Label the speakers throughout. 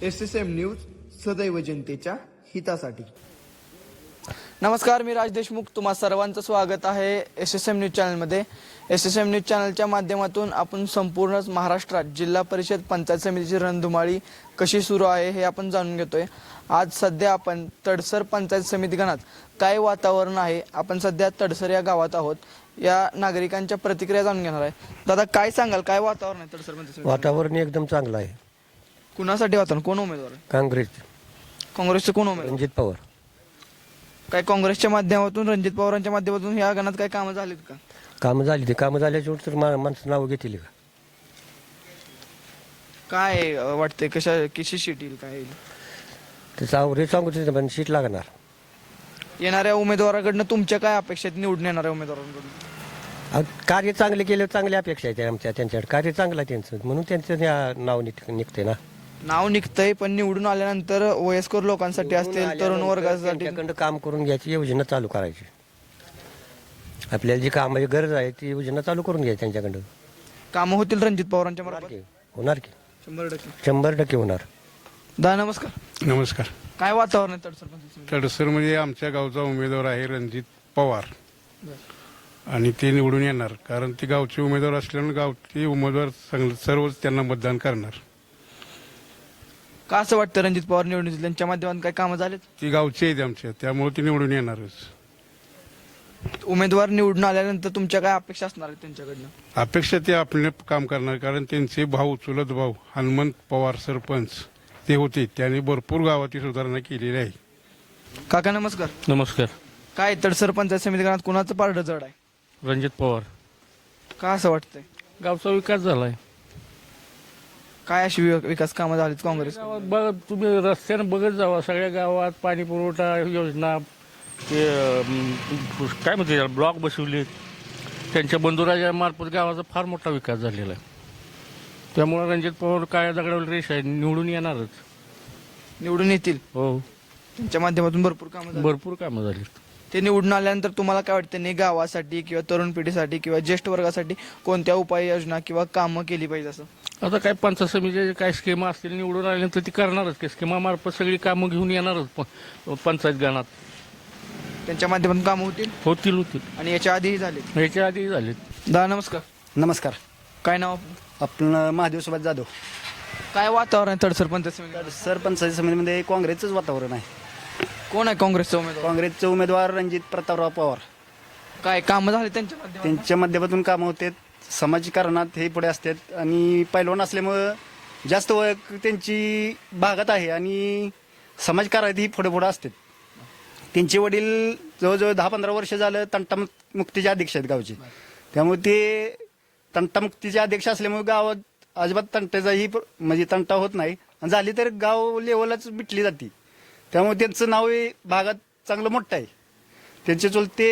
Speaker 1: SSM news सदैव जनतेच्या हितासाठी।
Speaker 2: नमस्कार, मी राज देशमुख, तुम्हा सर्वांचं स्वागत आहे SSM न्यूज चॅनलमध्ये। SSM न्यूज चॅनलच्या माध्यमातून आपण संपूर्ण महाराष्ट्रात जिल्हा परिषद पंचायत समितीची रणधुमाळी कशी सुरू आहे हे आपण जाणून घेतोय। आज सध्या आपण तडसर पंचायत समिती गणात काय वातावरण आहे, आपण सध्या तडसर या गावात आहोत, या नागरिकांच्या प्रतिक्रिया जाणून घेणार आहे। दादा, काय सांगाल, काय वातावरण आहे तडसर पंचायत समिती?
Speaker 3: वातावरण एकदम चांगलं आहे।
Speaker 2: कुणासाठी वातावरण, कोण उमेदवार आहे? काँग्रेसचे कोण उमेदवार?
Speaker 3: रणजित पवार।
Speaker 2: काय काँग्रेसच्या माध्यमातून, रणजित पवारांच्या माध्यमातून या गणात काय कामं झालीत का?
Speaker 3: कामं झाली, ते कामं झाल्याच्या तर माणसं नावं घेतील का?
Speaker 2: काय वाटतंय, कशी शीट येईल, काय येईल?
Speaker 3: त्याचं आवरे सांगू तिथे पण सीट लागणार।
Speaker 2: येणाऱ्या उमेदवाराकडनं तुमच्या काय अपेक्षा आहेत, निवडून येणाऱ्या उमेदवारांकडून?
Speaker 3: कार्य चांगले केलं, चांगली अपेक्षा आहे त्यांच्याकडे। कार्य चांगलं आहे त्यांचं, म्हणून त्यांचं नाव निघते ना।
Speaker 2: नाव निघतंय, पण निवडून आल्यानंतर वयस्कर लोकांसाठी असतील, तरुण वर्गासाठी
Speaker 3: त्यांच्याकडं काम करून घ्यायची, योजना चालू करायची। आपल्याला जी कामाची गरज आहे ती योजना चालू करून घ्यायची त्यांच्याकडं।
Speaker 2: कामं होतील रणजित पवारांच्या मार्फत?
Speaker 3: होणार की
Speaker 2: 100%।
Speaker 3: 100% होणार।
Speaker 2: दा, नमस्कार।
Speaker 4: नमस्कार।
Speaker 2: काय वातावरण आहे तडसर पंचायत समितीत?
Speaker 4: तडसरमध्ये आमच्या गावचा उमेदवार आहे रणजित पवार, आणि ते निवडून येणार, कारण ते गावचे उमेदवार असल्यामुळे गावचे उमेदवार सर्वच त्यांना मतदान करणार।
Speaker 2: का असं वाटतं रणजित पवार निवडून येतील? त्यांच्या माध्यमातून काय कामं झालेत?
Speaker 4: ती गावचे आहेत आमच्या, त्यामुळे ते निवडून येणारच।
Speaker 2: उमेदवार निवडून आल्यानंतर तुमच्या काय अपेक्षा असणार आहेत त्यांच्याकडनं?
Speaker 4: अपेक्षा ते आपले काम करणार, कारण त्यांचे भाऊ, चुलत भाऊ हनुमंत पवार सरपंच ते होते, त्यांनी भरपूर गावाची सुधारणा केलेली आहे।
Speaker 2: काका, नमस्कार।
Speaker 5: नमस्कार।
Speaker 2: काय तडसर पंचायत समिती गणात कुणाचं पारडं जड आहे?
Speaker 5: रणजित पवार।
Speaker 2: का असं वाटतंय?
Speaker 5: गावचा विकास झालाय।
Speaker 2: काय अशी विकास कामं झालीत काँग्रेस?
Speaker 5: बघ, तुम्ही रस्त्यानं बघत जावा, सगळ्या गावात पाणी पुरवठा योजना, ते काय म्हणते ब्लॉक बसवले, त्यांच्या बंधुराजा मार्फत गावाचा फार मोठा विकास झालेला आहे। त्यामुळे रणजित पवार काय दगडावर रेष आहे, निवडून येणारच।
Speaker 2: निवडून येतील?
Speaker 5: हो,
Speaker 2: त्यांच्या माध्यमातून भरपूर कामं झाली।
Speaker 5: भरपूर कामं झाली।
Speaker 2: ते निवडून आल्यानंतर तुम्हाला काय वाटतं, नाही गावासाठी किंवा तरुण पिढीसाठी किंवा ज्येष्ठ वर्गासाठी कोणत्या उपाययोजना किंवा कामं केली पाहिजे असं?
Speaker 5: आता काय पंचायत समितीचे काय स्कीमा असतील, निवडून आल्यानंतर ती करणारच, की स्कीमामार्फत सगळी कामं घेऊन येणारच पंचायत गणात।
Speaker 2: त्यांच्या माध्यमातून कामं होतील?
Speaker 5: होतील।
Speaker 2: आणि याच्या आधीही झाले?
Speaker 5: ह्याच्या आधी झालेत।
Speaker 2: दा, नमस्कार।
Speaker 6: नमस्कार।
Speaker 2: काय नाव?
Speaker 6: आपलं महादेव सुभाष जाधव।
Speaker 2: काय वातावरण आहे तडसर पंचायत समिती?
Speaker 6: सरपंचायत समितीमध्ये काँग्रेसचंच वातावरण आहे।
Speaker 2: कोण आहे काँग्रेसचा उमेदवार?
Speaker 6: काँग्रेसचे उमेदवार रणजित प्रतापराव पवार।
Speaker 2: काय कामं झाली त्यांच्या माध्यमातून?
Speaker 6: त्यांच्या माध्यमातून कामं होतात, समाजकारणात हे पुढे असतात, आणि पैलवान असल्यामुळं जास्त ओळख त्यांची भागात आहे, आणि समाजकार्यात ही पुढे पुढे असतात। त्यांचे वडील जवळजवळ 10-15 वर्ष झालं तंटामुक्तीचे अध्यक्ष आहेत गावचे, त्यामुळे ते तंटामुक्तीचे अध्यक्ष असल्यामुळे गावात अजिबात तंटाचाही म्हणजे तंटा होत नाही, आणि झाली तर गाव लेवलच मिटली जाते। त्यामुळे त्यांचं नाव हे भागात चांगलं मोठं आहे। त्यांचे चुलते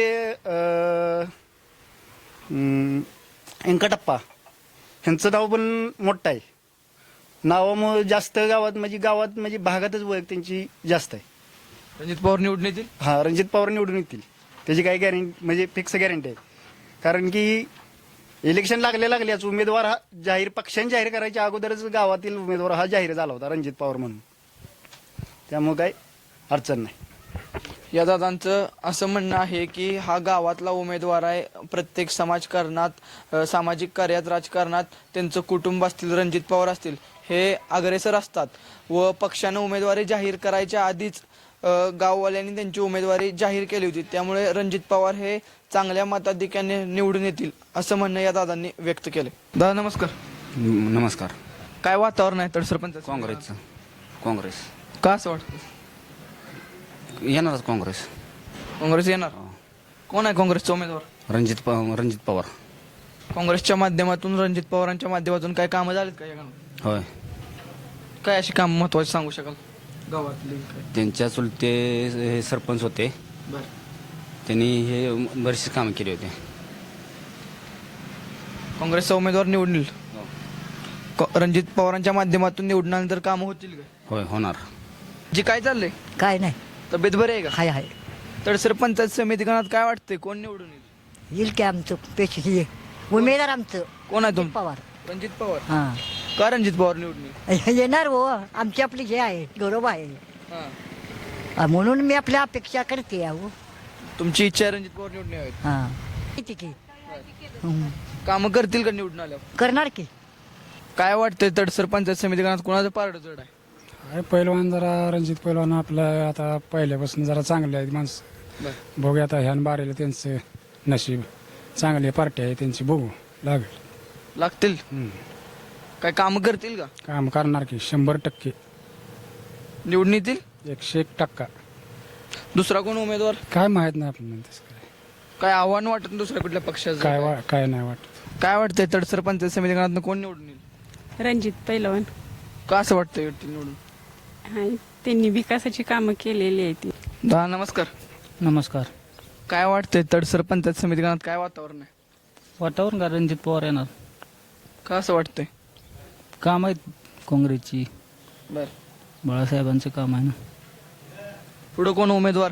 Speaker 6: व्यंकटप्पा ह्यांचं नाव पण मोठं आहे। नावामुळे जास्त गावात म्हणजे भागातच ओळख त्यांची जास्त आहे।
Speaker 2: रणजित पवार निवडून येतील?
Speaker 6: हां, रणजित पवार निवडून येतील, त्याची काही गॅरंटी म्हणजे फिक्स गॅरंटी आहे। कारण की इलेक्शन लागल्याच उमेदवार हा पक्षाने जाहीर करायच्या अगोदरच गावातील उमेदवार हा जाहीर झाला होता, रणजित पवार म्हणून, त्यामुळे काही अडचण नाही।
Speaker 2: या दादांचं असं म्हणणं आहे की हा गावातला उमेदवार आहे, प्रत्येक समाजकारणात, सामाजिक कार्यात, राजकारणात त्यांचं कुटुंब असतील, रणजित पवार असतील, हे अग्रेसर असतात, व पक्षानं उमेदवारी जाहीर करायच्या आधीच गाववाल्यांनी त्यांची उमेदवारी जाहीर केली होती, त्यामुळे रणजित पवार हे चांगल्या मताधिक्याने निवडून येतील असं म्हणणं या दादांनी व्यक्त केले। दादा, नमस्कार।
Speaker 7: नमस्कार।
Speaker 2: काय वातावरण आहे तडसर पंचायत?
Speaker 7: काँग्रेसचं। काँग्रेस।
Speaker 2: का असं वाटतं?
Speaker 7: येणारच काँग्रेस।
Speaker 2: काँग्रेस येणार? कोण आहे काँग्रेसचा उमेदवार?
Speaker 7: रणजित पवार।
Speaker 2: काँग्रेसच्या माध्यमातून, रणजित पवारांच्या माध्यमातून काय कामं झालीत का या गावात?
Speaker 7: होय।
Speaker 2: काय अशी काम महत्वाची सांगू शकाल गावातली?
Speaker 7: त्यांच्या चुलते हे सरपंच होते,
Speaker 2: बरं,
Speaker 7: त्यांनी हे बरेचसे कामं केले होते।
Speaker 2: काँग्रेसचा उमेदवार निवडून रणजित पवारांच्या माध्यमातून निवडल्यानंतर कामं होतील का?
Speaker 7: होय, होणार।
Speaker 2: जी काय चाललंय?
Speaker 8: काय नाही,
Speaker 2: तब्येत बरी आहे का?
Speaker 8: हाय
Speaker 2: तडसर पंचायत समिती गणात काय वाटतंय, कोण निवडून येईल?
Speaker 8: येईल की आमचं पेशी उमेदवार आमचं
Speaker 2: कोण आहे तुम्ही?
Speaker 8: पवार।
Speaker 2: रणजित पवार।
Speaker 8: हां,
Speaker 2: का रणजित पवार निवडून येईल?
Speaker 8: येणार हो, आमची आपली हे आहे गौरव आहे.
Speaker 2: हां.
Speaker 8: म्हणून मी आपल्या अपेक्षा करते अहो.
Speaker 2: तुमची इच्छा आहे रणजित पवार निवडून यावेत.
Speaker 8: हा किती की
Speaker 2: कामं करतील का निवडून आल्यावर?
Speaker 8: करणार की.
Speaker 2: काय वाटतंय तडसर पंचायत समिती गणात कोणाचं पारड जड आहे?
Speaker 9: आहे पहिलवान जरा रणजित पहिलवान आपलं आता पहिल्यापासून जरा चांगले आहेत माणसं. बघूया आता ह्यान बारेला त्यांचं नशीब चांगली पार्टी आहे त्यांची, बघू लागेल.
Speaker 2: लागतील. काय कामं करतील का?
Speaker 9: काम करणार की 100%
Speaker 2: निवडून येतील?
Speaker 9: 101%.
Speaker 2: दुसरा कोण उमेदवार?
Speaker 9: काय माहित नाही आपल्याला तसं
Speaker 2: काय आव्हान वाटत नाही दुसऱ्या कुठल्या पक्षाचं?
Speaker 9: काय नाही वाटत.
Speaker 2: काय वाटतंय तडसर पंचायत समिती गणात कोण निवडून येईल?
Speaker 10: रणजित पैलवान.
Speaker 2: का असं वाटतंय येतील निवडून?
Speaker 10: आणि त्यांनी विकासाची कामं केलेली आहेत ती.
Speaker 2: नमस्कार.
Speaker 11: नमस्कार.
Speaker 2: काय वाटतंय तडसर पंचायत समिती गणात काय वातावरण आहे?
Speaker 11: वातावरण का रणजित पवार येणार.
Speaker 2: का असं वाटतंय?
Speaker 11: काम आहेत काँग्रेसची,
Speaker 2: बर.
Speaker 11: बाळासाहेबांचं काम आहे ना.
Speaker 2: पुढं कोण उमेदवार?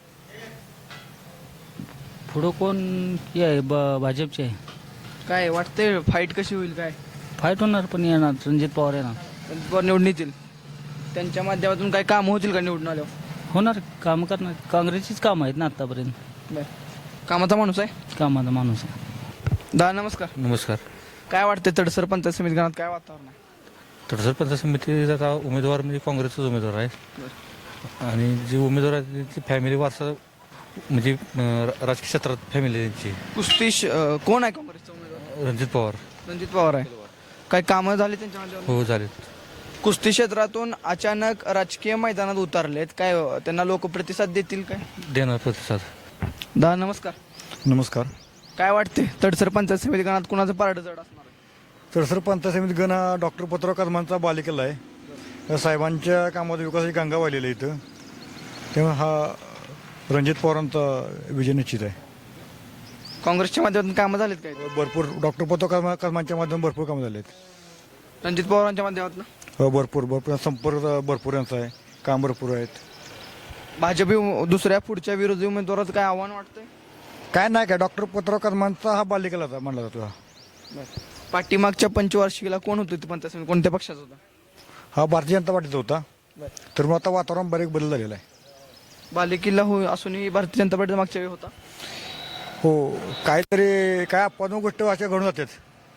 Speaker 11: पुढं कोण हे आहे भाजपचे आहे.
Speaker 2: काय वाटतंय फाईट कशी होईल? काय
Speaker 11: फाईट होणार पण येणार रणजित पवार येणार.
Speaker 2: रणजित पवार निवडून येतील. त्यांच्या माध्यमातून काय कामं होतील का निवडून आल्यावर?
Speaker 11: होणार, काम करणार. काँग्रेसचीच काम आहेत ना आतापर्यंत.
Speaker 2: बर. कामाचा माणूस आहे.
Speaker 11: कामाचा माणूस आहे.
Speaker 2: नमस्कार.
Speaker 12: नमस्कार.
Speaker 2: काय वाटतंय तडसर पंचायत समिती गणात काय वातावरण आहे?
Speaker 12: तडसर पंचायत समितीचा उमेदवार म्हणजे काँग्रेसचाच उमेदवार आहे. आणि जे उमेदवार आहेत त्यांची फॅमिली वारसा म्हणजे राजकीय क्षेत्रात फॅमिली त्यांची.
Speaker 2: कुस्ती कोण आहे काँग्रेसचा उमेदवार?
Speaker 12: रणजित पवार.
Speaker 2: रणजित पवार आहे. काय कामं झाली त्यांच्या माध्यमातून?
Speaker 12: हो झाले.
Speaker 2: कुस्ती क्षेत्रातून अचानक राजकीय मैदानात उतरलेत, काय त्यांना लोक प्रतिसाद देतील काय?
Speaker 12: देणार प्रतिसाद.
Speaker 2: नमस्कार.
Speaker 13: नमस्कार.
Speaker 2: काय वाटते तडसर पंचायत समिती गणात कुणाचं पारड जड असणार आहे?
Speaker 13: तडसर पंचायत समिती गण हा डॉक्टर पत्रव कदमांचा बालेकिल्ला आहे. साहेबांच्या कामात विकासाची गंगा वाहिलेली आहे इथं, तेव्हा हा रणजित पवारांचा विजय निश्चित आहे.
Speaker 2: काँग्रेसच्या माध्यमातून कामं झालीत काय?
Speaker 13: भरपूर डॉक्टर पत्रव कदमांच्या माध्यमातून भरपूर कामं झाले आहेत.
Speaker 2: रणजित पवारांच्या माध्यमातून
Speaker 13: भरपूर संपर्क भरपूर यांचा आहे, काम भरपूर आहेत.
Speaker 2: भाजप दुसऱ्या पुढच्या विरोधी उमेदवाराचं काय आव्हान वाटतंय?
Speaker 13: काय नाही काय, डॉक्टर पत्रव कदमांचा हा बालेकिल्ला मानला जातो. हा
Speaker 2: पाठीमागच्या पंचवार्षिकीला कोण होतं ते पंचायत समिती, कोणत्या पक्षाचा होता?
Speaker 13: हा भारतीय जनता पार्टीचा होता. तर मग आता वातावरण बरेच बदल झालेलं आहे.
Speaker 2: बालेकिल्ला हो असूनही भारतीय जनता पार्टीचा मागच्या वेळी होता.
Speaker 13: हो, काहीतरी काय अपवाद गोष्ट अशा घडून जातात.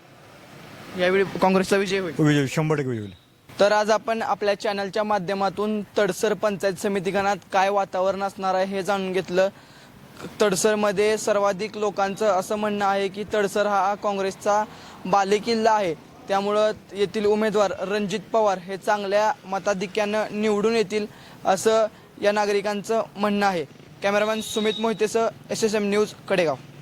Speaker 2: यावेळी काँग्रेसचा विजय होईल.
Speaker 13: विजय 100% विजय होईल.
Speaker 2: तर आज आपण आपल्या चॅनलच्या माध्यमातून तडसर पंचायत समिती गणात काय वातावरण असणार आहे हे जाणून घेतलं. तडसरमध्ये सर्वाधिक लोकांचं असं म्हणणं आहे की तडसर हा काँग्रेसचा बालेकिल्ला आहे, त्यामुळं येथील उमेदवार रणजित पवार हे चांगल्या मताधिक्यानं निवडून येतील असं या नागरिकांचं म्हणणं आहे. कॅमेरामॅन सुमित मोहितेसह SSM न्यूज कडेगाव.